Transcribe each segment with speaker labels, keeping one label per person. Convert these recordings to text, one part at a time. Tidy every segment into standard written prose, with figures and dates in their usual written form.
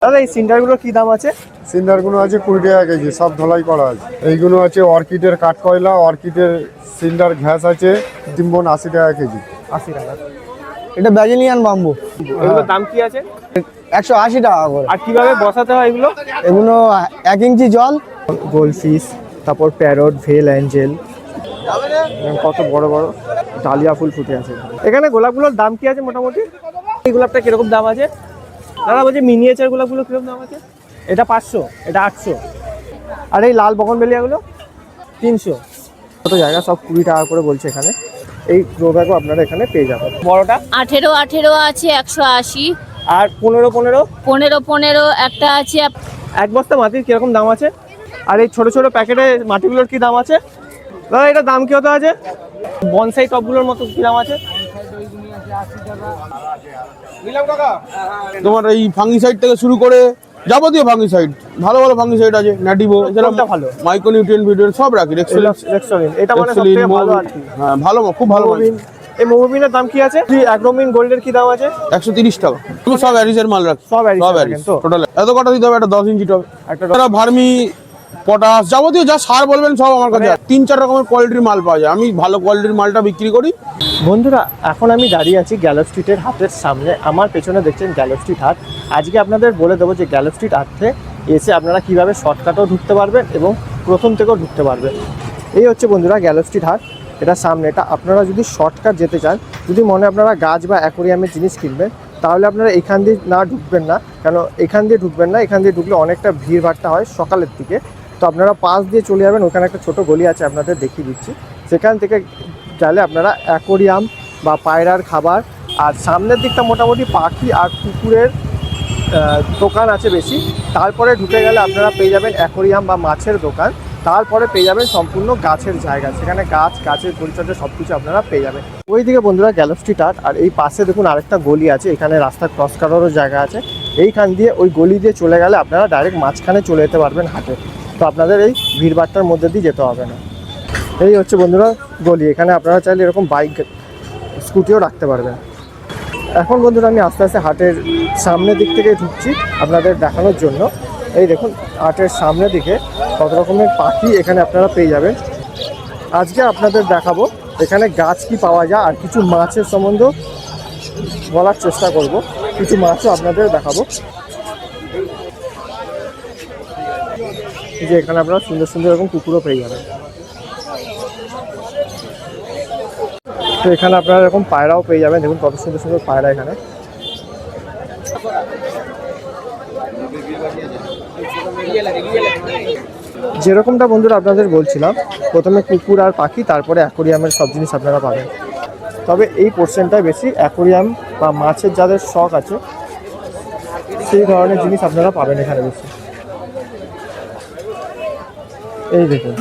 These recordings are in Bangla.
Speaker 1: দাদা এই সিন্ডারগুলো কি দাম আছে?
Speaker 2: সিন্ডারগুলো আছে 20 টাকা কেজি, সব ধলাই করা আছে। এইগুলো আছে অর্কিডের কাঠকয়লা, অর্কিডের সিন্ডার ঘ্যাস আছে 3 বোন 80 টাকা কেজি।
Speaker 1: 80 টাকা।
Speaker 3: এটা ব্রাজিলিয়ান বাম্বু,
Speaker 1: এগুলোর দাম কি আছে?
Speaker 3: 180 টাকা করে।
Speaker 1: আর কিভাবে বসাতে হয় এগুলো?
Speaker 3: এগুলো 1 ইঞ্চি জল।
Speaker 1: গোল্ডফিশ, তারপর প্যারট, ভেল অ্যাঞ্জেল, কত বড় বড় ডালিয়া ফুল ফুটে আছে। এখানে গোলাপগুলোর দাম কি আছে মোটামুটি? এই গোলাপটা কিরকম দাম আছে দাদা? বলছি মিনিয়েচার গোলাপগুলো কিরকম দাম আছে? এটা 500, এটা 800। আর এই লাল বগনভেলিয়াগুলো 300। কত জায়গা সব 20 টাকা করে বলছে এখানে। এই গ্রো ব্যাগও আপনারা এখানে পেয়ে যাবেন। বড়টা
Speaker 4: 18 আছে 180,
Speaker 1: আর 15
Speaker 4: 15 একটা আছে।
Speaker 1: এক বস্তা মাটির কিরকম দাম আছে? আর এই ছোট ছোট প্যাকেটে মাটিগুলোর কি দাম আছে দাদা? এটার দাম কি হতে আছে? বনসাই টপগুলোর মতো কি দাম আছে?
Speaker 5: তোমার এই ফাঙ্গিসাইড থেকে শুরু করে যাবতীয় ফাঙ্গিসাইড, ভালো ভালো ফাঙ্গিসাইড আছে। ন্যাটিভো,
Speaker 1: কোনটা ভালো?
Speaker 5: মাইক্রোনিউট্রিয়েন্ট ভিডিও সব রাখি।
Speaker 1: রেক্সোলিন, এটা মানে সবথেকে ভালো আর কি।
Speaker 5: হ্যাঁ ভালো, খুব ভালো।
Speaker 1: এই মোবিনের দাম কি আছে? অ্যাগ্রোমিন গোল্ডের কি দাম আছে?
Speaker 5: 130 টাকা। তুমি সব অ্যারিসের মাল রাখি,
Speaker 1: সব অ্যারিস তো
Speaker 5: টোটাল। এত কটা দিতে হবে? একটা 10 ইঞ্চি টব,
Speaker 1: একটা
Speaker 5: ভার্মি, পটাশ, যাবতীয় যা সার বলবেন সব আমার কাছে। 3-4 রকমের কোয়ালিটির মাল পাওয়া যায়। আমি ভালো কোয়ালিটির মালটা বিক্রি করি।
Speaker 1: বন্ধুরা, এখন আমি দাঁড়িয়ে আছি গ্যালো স্ট্রিটের হাটের সামনে। আমার পেছনে দেখছেন গ্যালো স্ট্রিট হাট। আজকে আপনাদের বলে দেবো যে গ্যালো স্ট্রিট হাটে এসে আপনারা কীভাবে শর্টকাটেও ঢুকতে পারবেন এবং প্রথম থেকেও ঢুকতে পারবেন। এই হচ্ছে বন্ধুরা গ্যালো স্ট্রিট হাট। এটা সামনে। এটা আপনারা যদি শর্টকাট যেতে চান, যদি মনে আপনারা গাছ বা অ্যাকোরিয়ামের জিনিস কিনবেন, তাহলে আপনারা এখান দিয়ে ঢুকবেন না। কেন এখান দিয়ে ঢুকবেন না? এখান দিয়ে ঢুকলে অনেকটা ভিড়ভাড়টা হয় সকালের দিকে। তো আপনারা পাশ দিয়ে চলে যাবেন, ওখানে একটা ছোটো গলি আছে, আপনাদের দেখিয়ে দিচ্ছি। সেখান থেকে গেলে আপনারা অ্যাকোরিয়াম বা পায়রার খাবার, আর সামনের দিকটা মোটামুটি পাখি আর কুকুরের দোকান আছে বেশি। তারপরে ঢুকে গেলে আপনারা পেয়ে যাবেন অ্যাকোরিয়াম বা মাছের দোকান। তারপরে পেয়ে যাবেন সম্পূর্ণ গাছের জায়গা, সেখানে গাছের পরিচর্যা সব কিছু আপনারা পেয়ে যাবেন। ওইদিকে বন্ধুরা গ্যালো স্ট্রিট হাট, আর এই পাশে দেখুন আরেকটা গলি আছে, এখানে রাস্তা ক্রস করারও জায়গা আছে। এইখান দিয়ে ওই গলি দিয়ে চলে গেলে আপনারা ডাইরেক্ট মাঝখানে চলে যেতে পারবেন হাটে। তো আপনাদের এই ভিড়ভাড়টার মধ্যে দিয়ে যেতে হবে না। এই হচ্ছে বন্ধুরা গলি। এখানে আপনারা চাইলে এরকম বাইক স্কুটিও রাখতে পারবেন। এখন বন্ধুরা আমি আস্তে আস্তে হাটের সামনের দিক থেকে ঢুকছি আপনাদের দেখানোর জন্য। এই দেখুন হাটের সামনের দিকে কত রকমের পাখি এখানে আপনারা পেয়ে যাবেন। আজকে আপনাদের দেখাবো এখানে গাছ কি পাওয়া যায়, আর কিছু মাছের সম্বন্ধে বলার চেষ্টা করব। কিছু মাছও আপনাদের দেখাবো। যে এখানে আপনারা সুন্দর সুন্দর এরকম কুকুরও পেয়ে যাবেন। তো এখানে আপনারা এরকম পায়রাও পেয়ে যাবেন। দেখুন কত সুন্দর সুন্দর পায়রা এখানে। যেরকমটা বন্ধুরা আপনাদের বলছিলাম, প্রথমে কুকুর আর পাখি, তারপরে অ্যাকোরিয়ামের সব জিনিস আপনারা পাবেন। তবে এই পোর্শনটায় বেশি অ্যাকোরিয়াম বা মাছের যাদের শখ আছে সেই ধরনের জিনিস আপনারা পাবেন এখানে বেশি। এই দেখুন,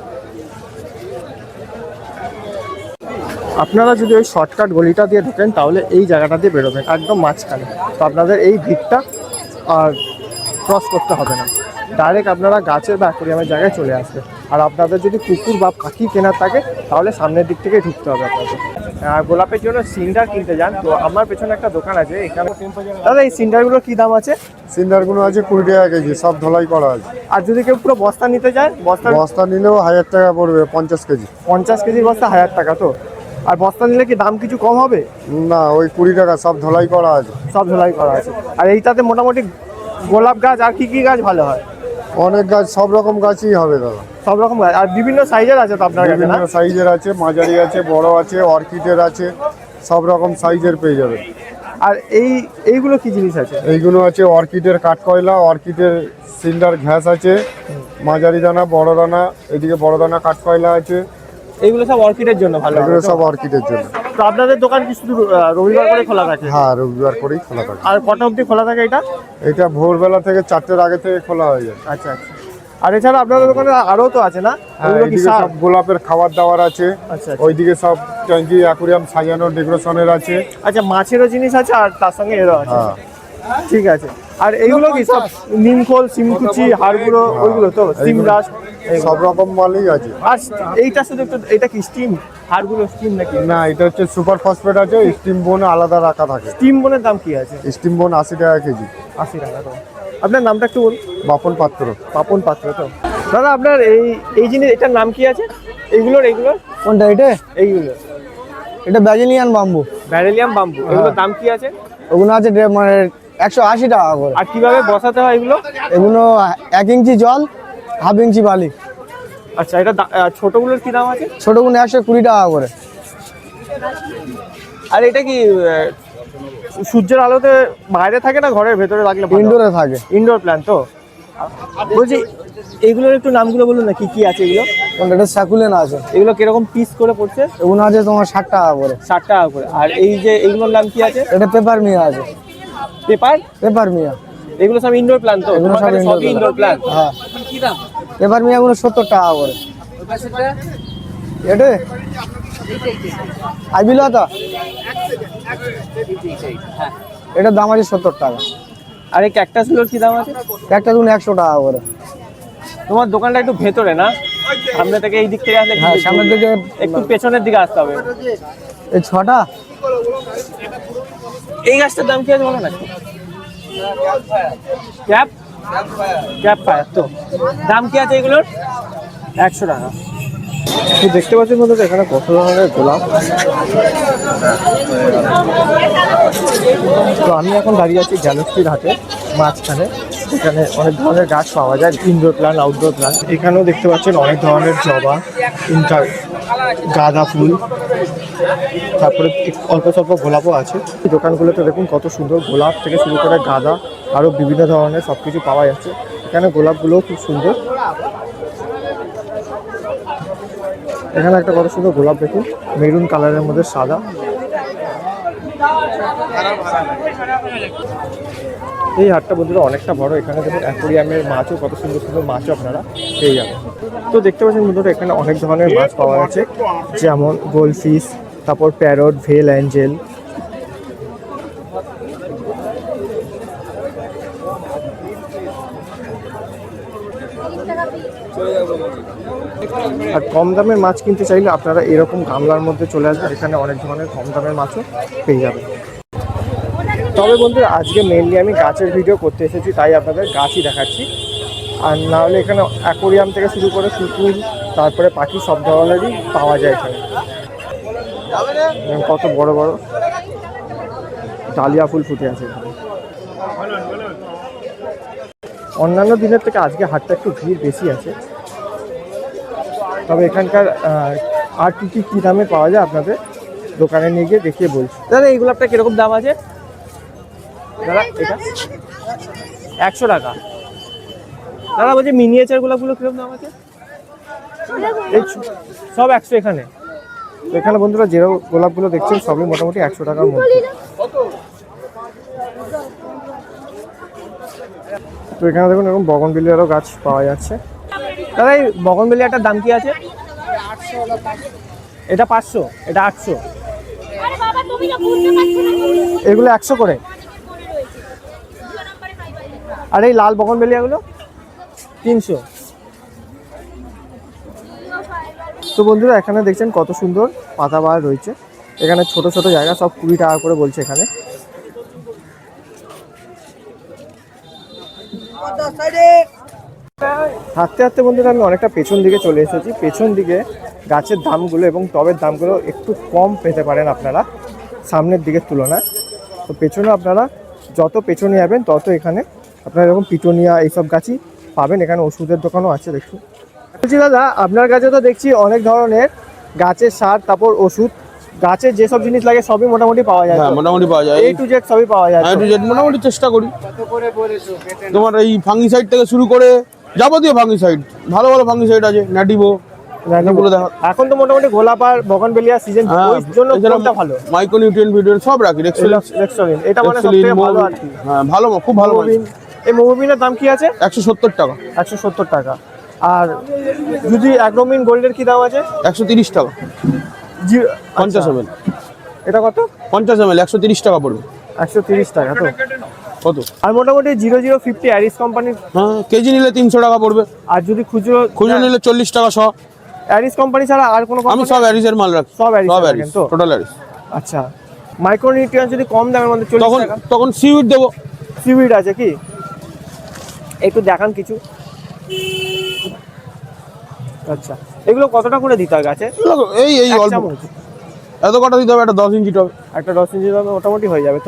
Speaker 1: আপনারা যদি ওই শর্টকাট গলিটা দিয়ে ঢোকেন তাহলে এই জায়গাটা দিয়ে বেরোবেন একদম মাঝখানে। তো আপনাদের এই ভিড়টা আর ক্রস করতে হবে না, ডাইরেক্ট আপনারা গাছের বা অ্যাকোরিয়ামের জায়গায় চলে আসবে। আর আপনাদের যদি কুকুর বা পাখি কেনার থাকে তাহলে সামনের দিক থেকে ঢুকতে হবে আপনাদের। গোলাপের জন্য সিন্ডার কিনতে যান, তো আমার পেছনে একটা দোকান আছে এখানে। দাদা এই সিন্ডারগুলো কি দাম আছে?
Speaker 2: সিন্ডারগুলো আছে 20 টাকা কেজি, সব ধলাই করা আছে।
Speaker 1: আর যদি কেউ পুরো বস্তা নিতে চায়?
Speaker 2: বস্তা নিলেও 1000 টাকা পড়বে, 50 কেজি।
Speaker 1: 50 কেজির বস্তা 1000 টাকা। তো আর বস্তা নিলে কি দাম কিছু কম হবে?
Speaker 2: না, ওই 20 টাকা, সব ধলাই করা আছে।
Speaker 1: সব ধলাই করা আছে। আর এইটাতে মোটামুটি গোলাপ গাছ আর কি কি গাছ ভালো হয়?
Speaker 2: অনেক গাছ, সব রকম গাছই হবে দাদা।
Speaker 1: সব রকম গাছ, আর বিভিন্ন সাইজের আছে তো আপনার কাছে?
Speaker 2: বিভিন্ন সাইজের আছে, মাঝারি আছে, বড় আছে, অর্কিডের আছে, সব রকম সাইজের পেয়ে যাবে।
Speaker 1: আর এইগুলো কি জিনিস আছে?
Speaker 2: এইগুলো আছে অর্কিডের কাঠকয়লা, অর্কিডের সিন্ডার ঘ্যাস আছে, মাঝারি দানা, বড় দানা, এদিকে বড় দানা কাঠকয়লা আছে।
Speaker 1: এইগুলো সব অর্কিডের জন্য ভালো?
Speaker 2: এগুলো সব অর্কিডের জন্য।
Speaker 1: তো আপনাদের দোকান কি শুধু রবিবার করে খোলা থাকে?
Speaker 2: হ্যাঁ, রবিবার করেই খোলা থাকে।
Speaker 1: আর কটা অবধি খোলা থাকে এটা?
Speaker 2: এটা ভোরবেলা থেকে 4টের আগে থেকে খোলা হয়ে যায়।
Speaker 1: আচ্ছা আচ্ছা। আর এছাড়া আপনাদের দোকানে আরও তো আছে না? ওগুলো কি
Speaker 2: সব গোলাপের খাবার দাবার আছে।
Speaker 1: আচ্ছা।
Speaker 2: ওইদিকে সব ট্যাঙ্কি অ্যাকুরিয়াম সাজানোর ডেকোরেশনের আছে।
Speaker 1: আচ্ছা, মাছেরও জিনিস আছে আর তার সঙ্গে এরও আছে।
Speaker 2: হ্যাঁ
Speaker 1: ঠিক আছে। আর এইগুলো কি সব নিমখোল, সিমকুচি, হাড়গুলো, ওইগুলো তো স্টিম ব্রাশ
Speaker 2: সব রকম মালই আছে।
Speaker 1: আর এইটা শুধু একটু, এটা কি স্টিম হাড়গুলো স্টিম নাকি?
Speaker 2: না, এটা হচ্ছে সুপার ফসফেট আছে, স্টিম বোন আলাদা রাখা থাকে।
Speaker 1: স্টিম বোনের দাম কি আছে?
Speaker 2: স্টিম বোন 80 টাকা কেজি।
Speaker 1: 80 টাকা। তো আপনার নামটা একটু বলুন।
Speaker 2: বাপন পাত্র।
Speaker 1: পাপন পাত্র তো। দাদা আপনার এই জিনিস এটার নাম কি আছে? এইগুলোর
Speaker 3: কোনটা এটা?
Speaker 1: এইগুলো
Speaker 3: এটা ব্রাজিলিয়ান বাম্বু।
Speaker 1: ব্যারেলিয়াম বাম্বু, এগুলোর দাম কি আছে?
Speaker 3: ওগুলো আছে মানে 180 টাকা করে।
Speaker 1: আর কিভাবে বসাতে হয় এগুলো?
Speaker 3: এগুলো 1 ইঞ্চি জল, 1/2 ইঞ্চি বালি।
Speaker 1: আচ্ছা, এটা ছোটগুলোর কি দাম আছে?
Speaker 3: ছোটগুলো 120 টাকা করে।
Speaker 1: আর এটা কি সূর্যের আলোতে বাইরে থাকে না ঘরের ভেতরে রাখলে?
Speaker 3: ইনডোরে থাকে।
Speaker 1: ইনডোর প্ল্যান তো। বলছি এইগুলোর একটু নামগুলো বলুন না, কি কি আছে এগুলো?
Speaker 3: কোনটা? এটা সাকুলেন আছে।
Speaker 1: এগুলো কিরকম পিস করে পড়ছে?
Speaker 3: এগুলো আছে তোমার 60 টাকা করে।
Speaker 1: 60 টাকা করে। আর এই যে এইগুলোর নাম কি আছে?
Speaker 3: এটা পেপার মিয়া আছে। Peperomia.
Speaker 1: এগুলো সব ইনডোর প্ল্যান তো?
Speaker 3: এগুলো সব
Speaker 1: ইনডোর প্ল্যান।
Speaker 3: হ্যাঁ, পেপার মিয়া গুলো 70 টাকা করে। এটা আইবিলতা, এটার দাম আছে 70 টাকা।
Speaker 1: আর এই ক্যাকটাসগুলোর কি দাম আছে?
Speaker 3: একটা দুন 100 টাকা করে।
Speaker 1: তোমার দোকানটা একটু ভেতরে না? সামনে থেকে এই দিক থেকে আসলে
Speaker 3: হ্যাঁ, সামনের দিকে
Speaker 1: একটু পেছনের দিকে আসতে হবে।
Speaker 3: এই 6টা।
Speaker 1: এই গাছটার দাম কি আছে বলো না? ক্যাপ ফায়ার তো। দাম কি আছে এগুলোর? 100 টাকা। তো দেখতে পাচ্ছেন বন্ধুরা এখানে কত ধরনের গোলাপ। তো আমি এখন দাঁড়িয়ে আছি গ্যালাক্সির হাটে মাঝখানে। এখানে অনেক ধরনের গাছ পাওয়া যায়, ইনডোর প্ল্যান্ট, আউটডোর প্ল্যান্ট। এখানেও দেখতে পাচ্ছেন অনেক ধরনের জবা, গাঁদা ফুল, তারপরে অল্প স্বল্প গোলাপও আছে। এই দোকানগুলোতে দেখুন কত সুন্দর গোলাপ থেকে শুরু করে গাঁদা, আরও বিভিন্ন ধরনের সব কিছু পাওয়া যাচ্ছে। এখানে গোলাপগুলোও খুব সুন্দর। এখানে একটা কত সুন্দর গোলাপ দেখুন, মেরুন কালারের মধ্যে সাদা। এই হাটটা বন্ধুরা অনেকটা বড়। এখানে দেখুন অ্যাকোরিয়ামের মাছও, কত সুন্দর সুন্দর মাছও আপনারা পেয়ে যাবেন। তো দেখতে পাচ্ছেন বন্ধুরা এখানে অনেক ধরনের মাছ পাওয়া যাচ্ছে, যেমন গোল্ডফিশ, তারপর প্যারট, ভেল অ্যাঞ্জেল। আর কম দামের মাছ কিনতে চাইলে আপনারা এরকম গামলার মধ্যে চলে আসবেন, এখানে অনেক ধরনের কম দামের মাছও পেয়ে যাবেন। তবে বন্ধুরা আজকে মেনলি আমি গাছের ভিডিও করতে এসেছি, তাই আপনাদের গাছই দেখাচ্ছি। আর না হলে এখানে অ্যাকোরিয়াম থেকে শুরু করে কুকুর, তারপরে পাখি সব ধরনেরই পাওয়া যায় এখানে। কত বড় বড় ডালিয়া ফুল ফুটে আছে এখানে। অন্যান্য দিনের থেকে আজকে হাটটা একটু ভিড় বেশি আছে। তবে এখানকার আর কী দামে পাওয়া যায় আপনাদের দোকানে নিয়ে গিয়ে দেখিয়ে বলছি। দাদা এই গোলাপটা কীরকম দাম আছে দাদা? এটা 100 টাকা। দাদা বলছি মিনিয়েচার গোলাপগুলো কীরকম দাম আছে? এই সব 100 এখানে। তো এখানে বন্ধুরা যে গোলাপগুলো দেখছেন সবই মোটামুটি 100 টাকার মধ্যে। তো এখানে দেখুন এরকম বগনভিলিয়ারও গাছ পাওয়া যাচ্ছে। দাদা এই বগনভিলিয়াটার দাম কি আছে? এটা 500, এটা 800। এগুলো 100 করে। আর এই লাল বগনভিলিয়াগুলো 300। তো বন্ধুরা এখানে দেখছেন কত সুন্দর পাতাবাহার রয়েছে। এখানে ছোট ছোট জায়গা, সব 20 টাকা করে বলছে এখানে। হাঁটতে হাঁটতে বন্ধুরা আমি অনেকটা পেছন দিকে চলে এসেছি। পেছন দিকে গাছের দামগুলো এবং টবের দামগুলো একটু কম পেতে পারেন আপনারা সামনের দিকের তুলনায়। তো পেছনে আপনারা যত পেছনে যাবেন তত এখানে আপনারা এরকম পিটোনিয়া এইসব গাছই পাবেন। এখানে ওষুধের দোকানও আছে দেখুন। বলছি দাদা আপনার কাছে তো দেখছি অনেক ধরনের গাছের সার, তারপর ওষুধ, গাছের যেসব জিনিস লাগে সবই মোটামুটি পাওয়া যায়।
Speaker 5: হ্যাঁ, মোটামুটি পাওয়া যায়।
Speaker 1: A to Z সবই পাওয়া যায়।
Speaker 5: A to Z মোটামুটি চেষ্টা করি। তোমার এই ফাঙ্গিসাইড থেকে শুরু করে যাবতীয় ফাঙ্গিসাইড, ভালো ভালো ফাঙ্গিসাইড আছে। ন্যাটিভো গুলো দেখো।
Speaker 1: এখন তো মোটামুটি গোলাপ আর বগনভিলিয়া সিজন, ওই জন্য কোনটা ভালো?
Speaker 5: মাইক্রোনিউট্রিয়েন্ট ভিডিও সব রাখি।
Speaker 1: রেক্সোলিন এটা মানে সবথেকে ভালো আর কি।
Speaker 5: হ্যাঁ, ভালো, খুব ভালো।
Speaker 1: এই মোবিনের দাম কি আছে?
Speaker 5: 170 টাকা।
Speaker 1: 170 টাকা। আর যদি অ্যাগ্রোমিন গোল্ডের কি দাম আছে?
Speaker 5: 130 টাকা। 50 ml।
Speaker 1: এটা কত?
Speaker 5: 50 ml 130 টাকা পড়বে।
Speaker 1: 130 টাকা তো
Speaker 5: কত?
Speaker 1: আর মোটামুটি 0050 অ্যারিস কোম্পানির।
Speaker 5: হ্যাঁ, কেজি নিলে 300 টাকা পড়বে।
Speaker 1: আর যদি খুচরো
Speaker 5: নিলে 40 টাকা শ।
Speaker 1: অ্যারিস কোম্পানি ছাড়া আর কোনো
Speaker 5: আমি সব অ্যারিসের মাল রাখি।
Speaker 1: সব অ্যারিস তো
Speaker 5: টোটাল অ্যারিস।
Speaker 1: আচ্ছা, মাইক্রোনিউট্রিয়েন্ট যদি কম দামের মধ্যে 40 টাকা,
Speaker 5: তখন সিউইড দেবো।
Speaker 1: সিউইড আছে কি? একটু দেখান কিছু। আচ্ছা, এগুলো কতটা করে দিতে হয় গাছে?
Speaker 5: এই এই
Speaker 1: এক
Speaker 5: অল্প
Speaker 1: চামচ?
Speaker 5: এত কটা দিতে হবে, একটা 10 ইঞ্চি টবে।
Speaker 1: একটা 10 ইঞ্চি দামে মোটামুটি হয়ে যাবে তো?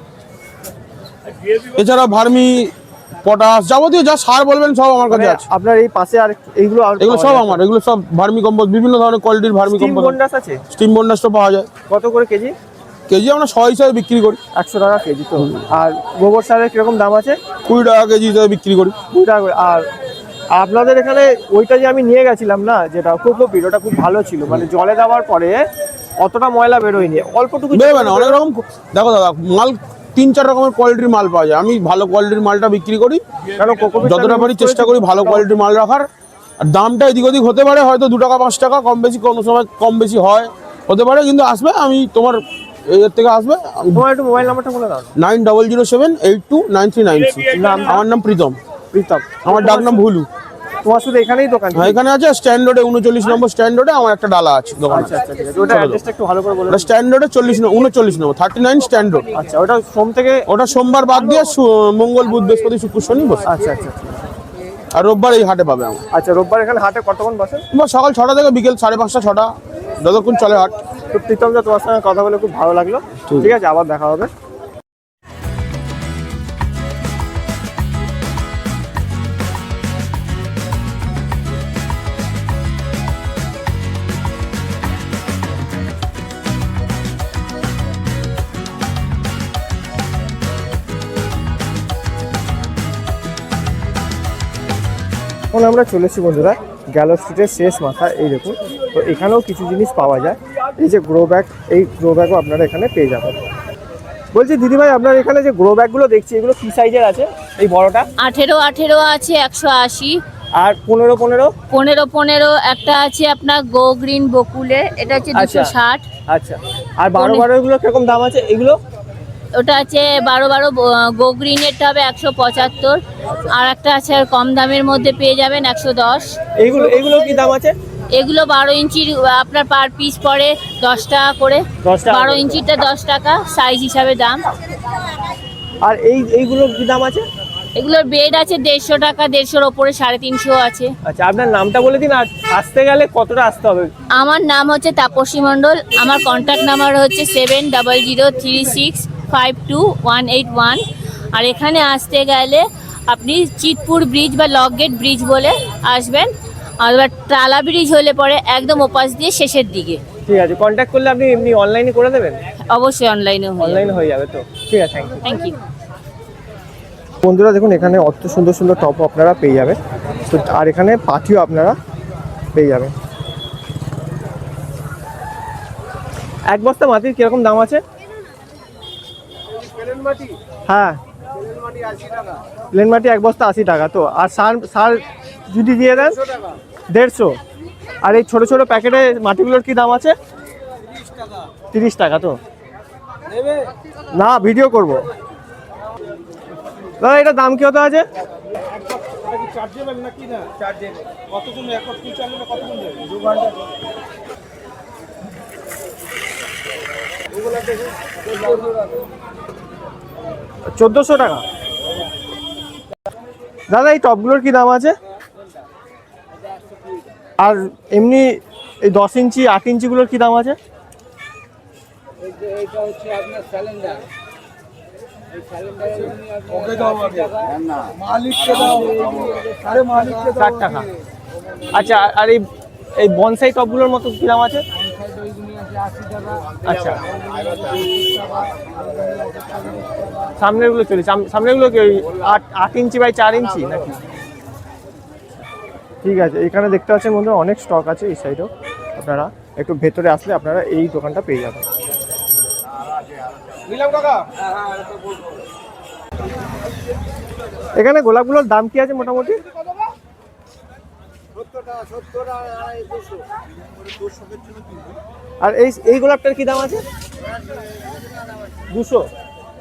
Speaker 5: এছাড়া ভার্মি, পটাশ, যাবতীয় যা সার বলবেন সব আমার কাছে
Speaker 1: মানে
Speaker 5: আছে।
Speaker 1: আপনার এই পাশে আর এইগুলো
Speaker 5: এগুলো সব আমার, এগুলো সব ভার্মি কম্পোস্ট, বিভিন্ন ধরনের কোয়ালিটির ভার্মি
Speaker 1: স্টিম
Speaker 5: কম্পোস্ট।
Speaker 1: বন্ডাস আছে?
Speaker 5: স্টিম বন্ডাসটা পাওয়া যায়।
Speaker 1: কত করে কেজি?
Speaker 5: কেজি আমরা 100 হিসাবে বিক্রি করি।
Speaker 1: 100 টাকা কেজি তো। আর গোবর সারের কিরকম দাম আছে?
Speaker 5: 20 টাকা কেজি হিসাবে বিক্রি করি।
Speaker 1: 2 টাকা করে। আর আপনাদের এখানে ওইটা যে আমি নিয়ে গেছিলাম না, যেটা কোকোপিট, ওটা খুব ভালো ছিল, মানে জলে দেওয়ার পরে অতটা ময়লা বেরোয়নি, অল্পটুকু
Speaker 5: বেরোবে না, অনেক রকম। দেখো দাদা, মাল 3-4 রকমের কোয়ালিটির মাল পাওয়া যায়। আমি ভালো কোয়ালিটির মালটা বিক্রি করি,
Speaker 1: কারণ কোকোপিট
Speaker 5: যতটা পারি চেষ্টা করি ভালো কোয়ালিটির মাল রাখার। আর দামটা এদিক ওদিক হতে পারে, হয়তো 2 টাকা 5 টাকা কম বেশি, কোনো সময় কম বেশি হয়, হতে পারে। কিন্তু আসবে, আমি তোমার এর থেকে আসবে।
Speaker 1: তোমার একটু মোবাইল নাম্বারটা বলে দাও।
Speaker 5: 9007829396। আমার নাম প্রীতম।
Speaker 1: প্রীতম।
Speaker 5: আমার ডাক নাম ভুলু।
Speaker 1: তোমার শুধু এখানেই দোকান?
Speaker 5: হ্যাঁ, এখানে আছে স্ট্যান্ড রোডে, 39 নম্বর স্ট্যান্ড রোডে আমার একটা ডালা আছে দোকান।
Speaker 1: আচ্ছা আচ্ছা, ঠিক আছে। ওটা অ্যাড্রেসটা একটু ভালো করে বলে দাও।
Speaker 5: স্ট্যান্ড রোডে 39 নম্বর 39 স্ট্যান্ড রোড।
Speaker 1: আচ্ছা, ওটা সোম থেকে?
Speaker 5: ওটা সোমবার বাদ দিয়ে মঙ্গল, বুধ, বৃহস্পতি, শুক্র, শনি বসে।
Speaker 1: আচ্ছা আচ্ছা।
Speaker 5: আর রোববার এই হাটে পাবে আমার।
Speaker 1: আচ্ছা, রোববার এখানে হাটে কতক্ষণ বসেন?
Speaker 5: সকাল 6টা থেকে বিকেল 5:30 6টা, যতক্ষণ চলে হাট।
Speaker 1: তো প্রীতম দা, তোমার সঙ্গে কথা বলে খুব ভালো লাগলো। ঠিক আছে, আবার দেখা হবে। এখন আমরা চলেছি বন্ধুরা গ্যালো স্ট্রিটের শেষ মাথা। এই দেখুন, তো এখানেও কিছু জিনিস পাওয়া যায়। এই যে গ্রো ব্যাগ, এই গ্রো ব্যাগও আপনারা এখানে পেয়ে যাবেন। বলছি দিদিভাই, আপনার এখানে যে গ্রো ব্যাগগুলো দেখছি, এগুলো কি সাইজের আছে? এই বড়টা
Speaker 4: 18 আছে 180।
Speaker 1: আর 15
Speaker 4: 15 একটা আছে আপনার গো গ্রিন বকুলে, এটা হচ্ছে
Speaker 1: আচ্ছা।
Speaker 4: 260।
Speaker 1: আচ্ছা, আর 12 এগুলো কিরকম দাম আছে এগুলো?
Speaker 4: ওটা আছে 12 গো গ্রিনেরটা হবে 175। আর একটা আছে আর কম দামের মধ্যে পেয়ে যাবেন 110।
Speaker 1: এইগুলো এগুলো কি দাম আছে?
Speaker 4: এগুলো 12 ইঞ্চির আপনার পার পিস পড়ে 10 টাকা করে।
Speaker 1: 10 টাকা
Speaker 4: 12
Speaker 1: করে।
Speaker 4: ইঞ্চিটা 10 টাকা সাইজ হিসাবে দাম।
Speaker 1: আর এইগুলো কি দাম আছে?
Speaker 4: এগুলোর বেড আছে 150 টাকা, 150-র ওপরে 350 আছে।
Speaker 1: আচ্ছা, আপনার নামটা বলে দিন। আর আসতে গেলে কতটা আসতে হবে?
Speaker 4: আমার নাম হচ্ছে তাপসী মণ্ডল। আমার কন্ট্যাক্ট নাম্বার হচ্ছে 7003652181। আর এখানে আসতে গেলে আপনি চিতপুর ব্রিজ বা লক গেট ব্রিজ বলে আসবেন। আর এবার টালা ব্রিজ হলে পরে একদম ওপাশ দিয়ে শেষের দিকে।
Speaker 1: ঠিক আছে, কন্ট্যাক্ট করলে আপনি এমনি অনলাইনে করে দেবেন?
Speaker 4: অবশ্যই অনলাইনে
Speaker 1: অনলাইনে হয়ে যাবে তো? ঠিক আছে, থ্যাংক ইউ।
Speaker 4: Thank you.
Speaker 1: বন্ধুরা দেখুন, এখানে অত সুন্দর সুন্দর টপও আপনারা পেয়ে যাবেন। তো আর এখানে পাঠিও আপনারা পেয়ে যাবেন। এক বস্তা মাটির কিরকম দাম আছে? হ্যাঁ, প্লেন মাটি এক বস্তা 80 টাকা তো। আর সার সার যদি দিয়ে দেন 150। আর এই ছোট ছোট প্যাকেটে মাটিগুলোর কি দাম আছে? 30 টাকা তো। না, ভিডিও করব। দাদা, এটা দাম কি হতে আছে? $1400 টাকা। দাদা, এই টপগুলোর কি দাম আছে? আর এমনি এই 10 ইঞ্চি 8 ইঞ্চিগুলোর কি দাম আছে?
Speaker 6: এটা হচ্ছে আপনার স্যালেন্ডার। মালিককে দাও, আরে মালিককে
Speaker 1: 60 টাকা। আচ্ছা, আর এই বনসাই টপগুলোর মতো কি দাম আছে?
Speaker 6: 80 টাকা।
Speaker 1: আচ্ছা, সামনেরগুলো চলে, সামনেরগুলো কি 8 ইঞ্চি বাই 4 ইঞ্চি নাকি? ঠিক আছে, এখানে দেখতে পাচ্ছেন বন্ধুরা অনেক স্টক আছে। এই সাইডেও আপনারা একটু ভেতরে আসলে আপনারা এই দোকানটা পেয়ে যাবেন। এখানে গোলাপগুলোর দাম কি আছে মোটামুটি?
Speaker 6: 70 টাকা, 70 টাকা, 200।
Speaker 1: আর এই গোলাপটার কি দাম আছে? 200।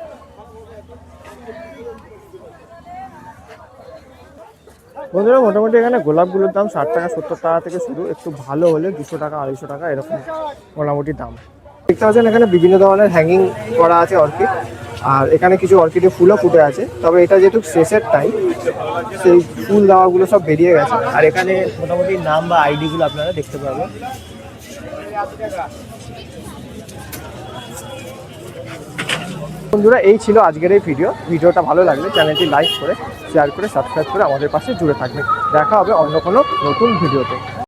Speaker 1: বন্ধুরা মোটামুটি এখানে গোলাপগুলোর দাম 60 টাকা 70 টাকা থেকে শুরু, একটু ভালো হলে 200 টাকা 250 টাকা এরকম মোটামুটি দাম। দেখতে পাচ্ছেন এখানে বিভিন্ন ধরনের হ্যাঙ্গিং করা আছে অর্কিড। আর এখানে কিছু অর্কিডে ফুলও ফুটে আছে, তবে এটা যেহেতু শেষের টাইম সেই ফুল দেওয়াগুলো সব বেরিয়ে গেছে। আর এখানে মোটামুটি নাম বা আইডিগুলো আপনারা দেখতে পাবেন। বন্ধুরা, এই ছিল আজকের এই ভিডিওটা ভালো লাগলে চ্যানেলটি লাইক করে শেয়ার করে সাবস্ক্রাইব করে আমাদের পাশে জুড়ে থাকবেন। দেখা হবে অন্য কোনো নতুন ভিডিওতে।